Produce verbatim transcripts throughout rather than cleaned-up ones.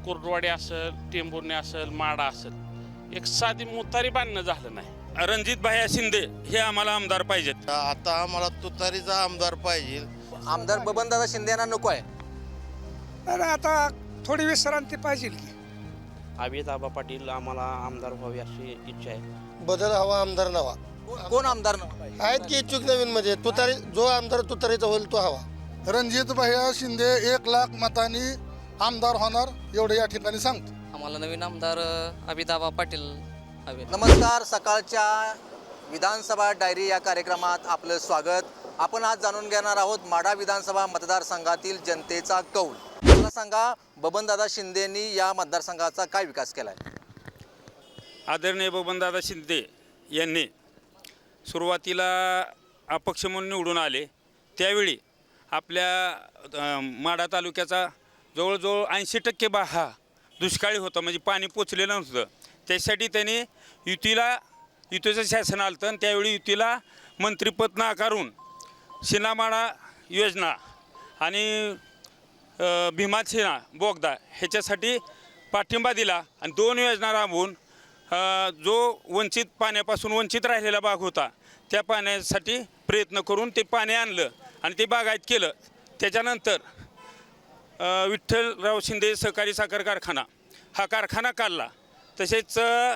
कुर्डवाडी असेल, टेंभुर्णी असेल, माडा असेल, एक साधी मुतारी बांधणं झालं नाही। रणजित भाया शिंदे हे आम्हाला आमदार पाहिजेत। आता आम्हाला तुतारीचा आमदार पाहिजे। आमदार बबनदादा शिंदे यांना नको आहे। तर आता थोडी विश्रांती पाहिजे की अभिताबा पाटील आम्हाला आमदार व्हावे अशी इच्छा आहे। बदल हवा आमदार नवा कोण- कोण आमदार नको पाहिजे? आहेत की इच्छुक नवीन मध्ये तुतारी जो आमदार तुतारीचा होईल तो हवा। रणजित भैया शिंदे एक लाख मतांनी आमदार होणार एवढे या ठिकाणी सांगतो। आम्हाला नवीन आमदार अभिताबा पाटील हवे। नमस्कार, सकाळच्या विधानसभा डायरी या कार्यक्रमात आपलं स्वागत। आपण आज जाणून घेणार आहोत माढा विधानसभा मतदारसंघातील जनतेचा कौल। मला सांगा, बबनदादा शिंदेंनी या मतदारसंघाचा काय विकास केलाय? आदरणीय बबनदादा शिंदे यांनी सुरुवातीला अपक्ष म्हणून निवडून आले त्यावेळी आपल्या माढा तालुक्याचा जवळजवळ ऐंशी टक्के बा हा दुष्काळी होता, म्हणजे पाणी पोचलेलं नव्हतं। त्यासाठी त्यांनी युतीला युतीचं शासन आलं आणि त्यावेळी युतीला मंत्रिपद नाकारून शिनामाळा योजना आणि भीमासेना बोगदा ह्याच्यासाठी पाठिंबा दिला आणि दोन योजना राबवून जो वंचित पाण्यापासून वंचित राहिलेला भाग होता त्या पाण्यासाठी प्रयत्न करून ते पाणी आणलं आणि ते बागायत केलं। त्याच्यानंतर विठ्ठलराव शिंदे सहकारी साखर कारखाना हा कारखाना काढला। तसेच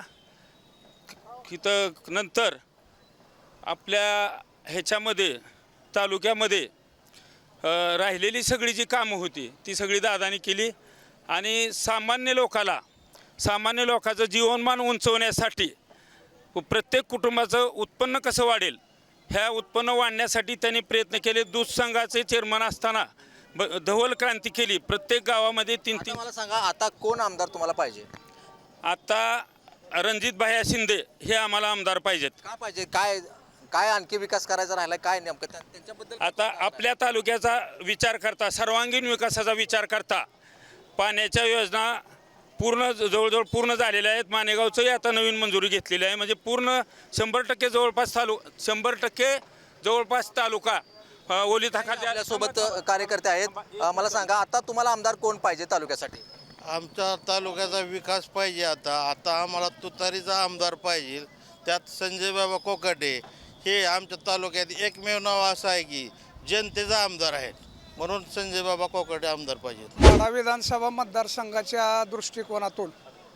इथं नंतर आपल्या ह्याच्यामध्ये तालुक्यामध्ये राहिलेली सगळी जी कामं होती ती सगळी दादानी केली आणि सामान्य लोकाला सामान्य लोकांचं जीवनमान उंचवण्यासाठी प्रत्येक कुटुंबाचं उत्पन्न कसं वाढेल ह्या उत्पन्न वाढण्यासाठी त्यांनी प्रयत्न केले। दूध संघाचे चेअरमन असताना ब धवल क्रांती केली। प्रत्येक गावामध्ये तीन तीन मला सांगा, आता कोण आमदार तुम्हाला पाहिजे? आता रणजित भाया शिंदे हे आम्हाला आमदार पाहिजेत। का पाहिजे? काय काय आणखी विकास करायचा राहिला? काय नेमकं त्या- त्यांच्याबद्दल आता आपल्या तालुक्याचा विचार करता, सर्वांगीण विकासाचा विचार करता पाण्याच्या योजना पूर्ण जवळजवळ पूर्ण झालेल्या आहेत। मानेगावचंही आता नवीन मंजुरी घेतलेली आहे, म्हणजे पूर्ण शंभर टक्के जवळपास तालु शंभर टक्के जवळपास तालुका ओली थाखाच्या सोबत कार्यकर्ते आहेत। अ, मला सांगा, आता तुम्हाला आमदार कोण पाहिजे तालुक्यासाठी? आमच्या तालुक्याचा विकास पाहिजे। आता आता आम्हाला तुतारीचा आमदार पाहिजे। त्यात संजय बाबा कोकाटे हे आमच्या तालुक्यात एकमेव नाव असं आहे की जनतेचा आमदार आहे, म्हणून संजय बाबा कोकाटे आमदार पाहिजेत। माढा विधानसभा मतदारसंघाच्या दृष्टिकोनातून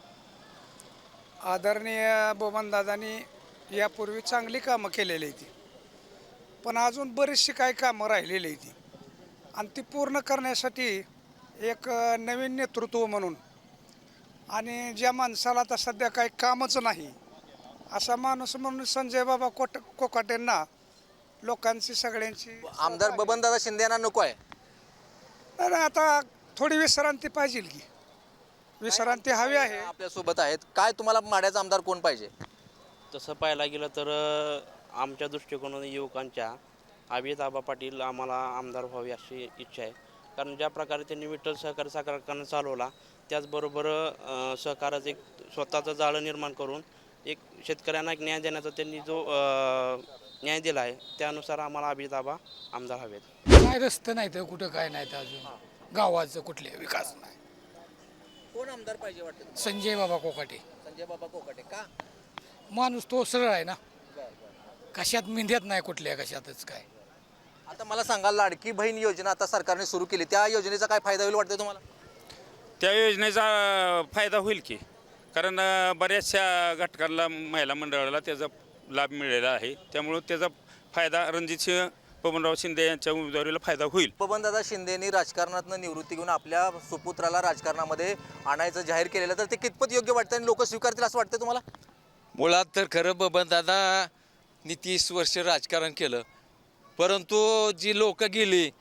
आदरणीय बबनदादांनी यापूर्वी चांगली कामं केलेली आहेत, पण अजून बरीचशी काही कामं राहिलेली आहेत आणि ती पूर्ण करण्यासाठी एक नवीन नेतृत्व म्हणून आणि ज्या माणसाला आता सध्या काही कामच नाही असा माणूस म्हणून संजय बाबा कोट कोकाटेंना लोकांची सगळ्यांची आमदार बबनदादा शिंदे यांना नको आहे। तर आता थोडी विश्रांती पाहिजे की विश्रांती हवी आहे। आपल्या सोबत आहेत। काय तुम्हाला माढ्याचा आमदार कोण पाहिजे? तसं पाहायला गेलं तर अ, आमच्या दृष्टिकोनातून युवकांच्या अभिताबा पाटील आम्हाला आमदार व्हावे अशी इच्छा आहे। कारण ज्या प्रकारे त्यांनी विठ्ठल सहकारी साखर कारखाना चालवला त्याचबरोबर अ, सहकाराचं एक स्वतःचं जाळं निर्माण करून एक शेतकऱ्यांना एक न्याय देण्याचा त्यांनी जो अ, न्याय दिला आहे त्यानुसार आम्हाला अभिताबा आमदार हवेत। काय रस्ते नाही तर कुठं काय नाही तर अजून गावाचं कुठले विकास नाही। कोण आमदार पाहिजे वाटतं? संजय बाबा कोकाटे संजय बाबा कोकाटे का? माणूस तो सरळ आहे ना, कशात मिंद्यात नाही कुठल्या कशातच काय। आता मला सांगा, लाडकी बहीण योजना आता सरकारने सुरू केली, त्या योजनेचा काय फायदा होईल वाटतं तुम्हाला? त्या योजनेचा फायदा होईल की, कारण बऱ्याचशा घटकांना महिला मंडळाला त्याचा लाभ मिळालेला आहे, त्यामुळं त्याचा फायदा रणजितसिंह बबनराव शिंदे यांच्या उमेदवारीला फायदा होईल। बबनदादा शिंदेंनी राजकारणातून निवृत्ती घेऊन आपल्या सुपुत्राला राजकारणामध्ये आणायचं जाहीर केलेलं, तर ते कितपत योग्य वाटतं आणि लोक स्वीकारतील असं वाटतं तुम्हाला? मुळात तर खरं बबनदादांनी तीस वर्ष राजकारण केलं, परंतु जी लोक गेली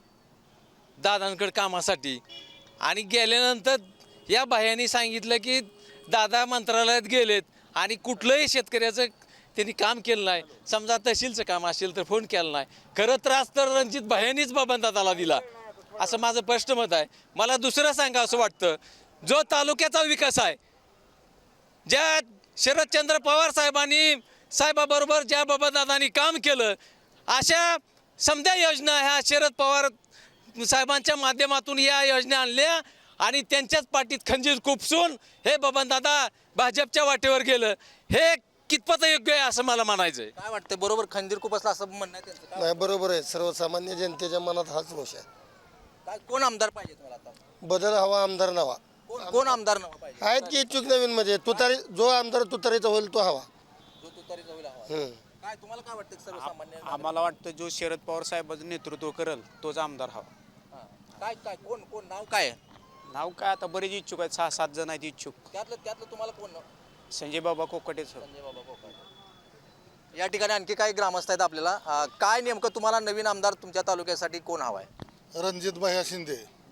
दादांकडे कामासाठी आणि गेल्यानंतर या बाह्यांनी सांगितलं की दादा मंत्रालयात गेलेत आणि कुठलंही शेतकऱ्याचं त्यांनी काम केलं नाही। समजा तहसीलचं काम असेल तर फोन केला नाही। खरं त्रास तर रणजित भायांनीच बबनदादाला दिला असं माझं स्पष्ट मत आहे। मला दुसरं सांगा असं वाटतं, जो तालुक्याचा विकास आहे, ज्या शरदचंद्र पवार साहेबांनी साहेबाबरोबर ज्या बबनदादांनी काम केलं अशा समध्या योजना ह्या शरद पवार साहेबांच्या माध्यमातून या योजना आणल्या आणि त्यांच्याच पाठीत खंजीर खुपसून हे बबनदादा भाजपच्या वाटेवर गेलं, हे कितपत योग्य आहे असं मला म्हणायचं आहे. काय वाटतं, बरोबर खंजीर खूप असला असं म्हणणं आहे त्यांचं? काय नाही बरोबर आहे, सर्वसामान्य जनतेच्या मनात हाच रोष आहे. काय कोण आमदार पाहिजे तुम्हाला आता? बदल हवा, आमदार नवा. कोण कोण आमदार नवा पाहिजे? आहेत की इच्छुक नवीन म्हणजे तुतारी, जो आमदार तुतारीचा होईल तो हवा. जो तुतारीचा होईल हवा. हम्म. काय तुम्हाला काय वाटतं सर्वसामान्य? आम्हाला वाटतं जो शरद पवार साहेबांचं नेतृत्व करेल तोच आमदार हवा. हां. काय काय कोण कोण नाव काय आहे? नाव काय आता बरेच इच्छुक आहेत, सहा सात जण आहेत इच्छुक. त्यातलं त्यातलं तुम्हाला कोण नाव? संजय बाबा कोकटेच. संजय बाबा कोकाटे. या ठिकाणी आणखी काही ग्रामस्थ आहेत आपल्याला. अं, काय नेमकं तुम्हाला नवीन आमदार तुमच्या तालुक्यासाठी कोण हवा आहे? रणजित भैया शिंदे.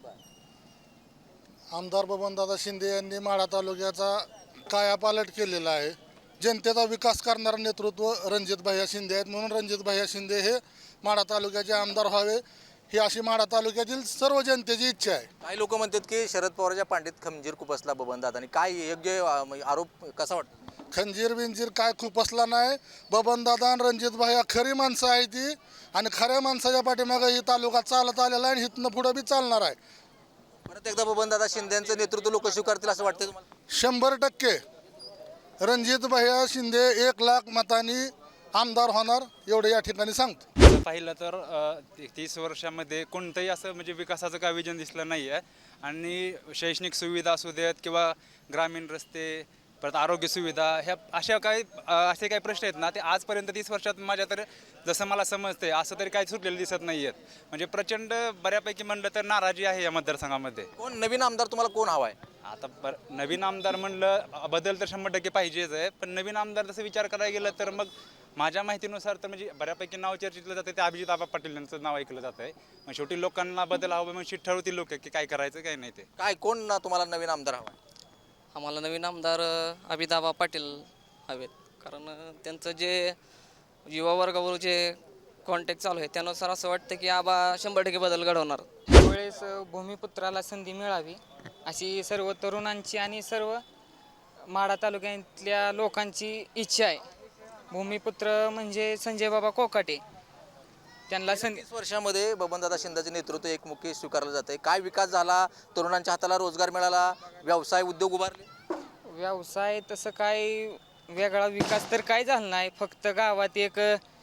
आमदार बबनदादा शिंदे यांनी माढा तालुक्याचा कायापालट केलेला आहे. जनतेचा विकास करणारं नेतृत्व रणजित भैया शिंदे आहेत, म्हणून रणजित भैया शिंदे हे माढा तालुक्याचे आमदार व्हावे ही अशी माढा तालुक्यातील सर्व जनतेची इच्छा आहे. काही लोक म्हणतात की शरद पवारच्या पांडीत खंजीर खुपसला बबनदादांनी. काय योग्य अं, आरोप कसा वाटतो? खंजीर बिंजीर काय खुपसला नाही. बबनदादा आणि रणजित भैया खरी माणसं आहे ती, आणि खऱ्या माणसाच्या पाठीमागे ही तालुका चालत आलेला आहे आणि इथनं पुढं बी चालणार आहे. परत एकदा बबनदादा शिंदेचं नेतृत्व लोक स्वीकारतील असं वाटतं तुम्हाला? शंभर टक्के रणजित भैया शिंदे एक लाख मतांनी आमदार होणार एवढे या ठिकाणी सांगतो. पाहिलं तर अ, तीस वर्षामध्ये कोणतंही असं म्हणजे विकासाचं काय विजन दिसलं नाही आहे. आणि शैक्षणिक सुविधा असू देत किंवा ग्रामीण रस्ते, परत आरोग्य सुविधा, ह्या अशा काही अ, असे काही प्रश्न आहेत ना, ते आजपर्यंत तीस वर्षात माझ्या तर जसं मला समजते असं तरी काही सुटलेलं दिसत नाही आहेत. म्हणजे प्रचंड बऱ्यापैकी म्हणलं तर नाराजी आहे या मतदारसंघामध्ये. कोण नवीन आमदार तुम्हाला कोण हवा आहे? आता बर नवीन आमदार म्हणलं बदल तर शंभर टक्के पाहिजेच आहे, पण नवीन आमदार जसं विचार करायला गेलं तर मग माझ्या माहितीनुसार तर म्हणजे बऱ्यापैकी नाव चर्चितलं जातं ते अभिजित आबा पाटील यांचं नाव ऐकलं जात आहे. मग शेवटी लोकांना बदल हवं, मग शीट ठरवतील लोक की काय करायचं काय नाही. ते काय कोण ना तुम्हाला नवीन आमदार हवा आहे? आम्हाला नवीन आमदार अभिदाबा पाटील हवेत, कारण अ, त्यांचं जे युवा वर्गावर जे कॉन्टॅक्ट चालू आहे त्यानुसार असं वाटतं की आबा शंभर टक्के बदल घडवणार. त्यावेळेस भूमिपुत्राला संधी मिळावी अशी सर्व तरुणांची आणि सर्व माढा तालुक्यातल्या लोकांची इच्छा आहे. भूमिपुत्र म्हणजे संजय बाबा कोकाटे, त्यांना संधी. तीस वर्षामध्ये बबनदादा शिंदेचे नेतृत्व एकमुखी स्वीकारलं जात आहे. काय विकास झाला? तरुणांच्या हाताला रोजगार मिळाला, व्यवसाय उद्योग उभारले? व्यवसाय तसं काय वेगळा विकास तर काय झाला नाही. फक्त गावात एक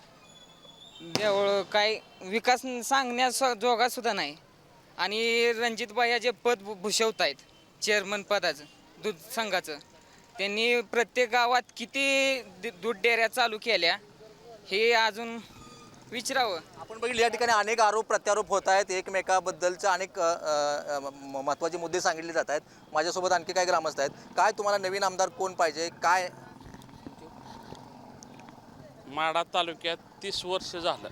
देवळ काय विकास सांगण्यास जोगा सुद्धा नाही. आणि रणजित भैया जे पद भू- भूषवत आहेत चेअरमन पदाचं दूध संघाचं, त्यांनी प्रत्येक गावात किती दि- दूध डेअऱ्या चालू केल्या हे अजून विचारावं. आपण बघितलं या ठिकाणी अनेक आरोप प्रत्यारोप होत आहेत. एकमेकाबद्दलचे अनेक अ, अ, म- महत्त्वाचे मुद्दे सांगितले जात आहेत. माझ्यासोबत आणखी काय ग्रामस्थ आहेत. काय तुम्हाला नवीन आमदार कोण पाहिजे? काय माढा तालुक्यात तीस वर्ष झालं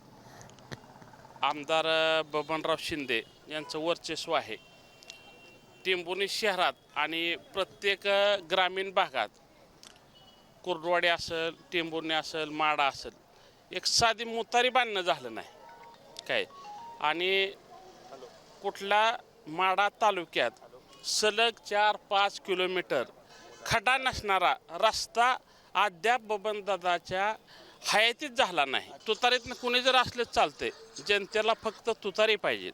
आमदार अ, बबनराव शिंदे यांचं वर्चस्व आहे. टेंभुर्णी शहरात आणि प्रत्येक अ, ग्रामीण भागात, कुर्डवाडी असेल, टेंभुर्णी असेल, माडा असेल, एक साधी मुतारी बांधणं झालं नाही काय. आणि कुठला माडा तालुक्यात सलग चार पाच किलोमीटर खड्डा नसणारा रस्ता अद्याप बबनदादाच्या हयातीत झाला नाही. तुतारीतनं कुणी जर असलं चालते, जनतेला फक्त तुतारी पाहिजे.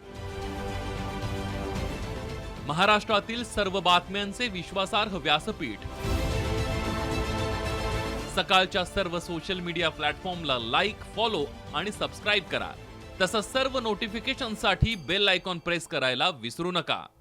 महाराष्ट्रातील सर्व बातम्यांचे विश्वासार्ह व्यासपीठ, सकाळच्या सर्व सोशल मीडिया प्लॅटफॉर्मला लाईक, फॉलो आणि सबस्क्राईब करा. तसंच सर्व नोटिफिकेशनसाठी बेल आयकॉन प्रेस करायला विसरू नका.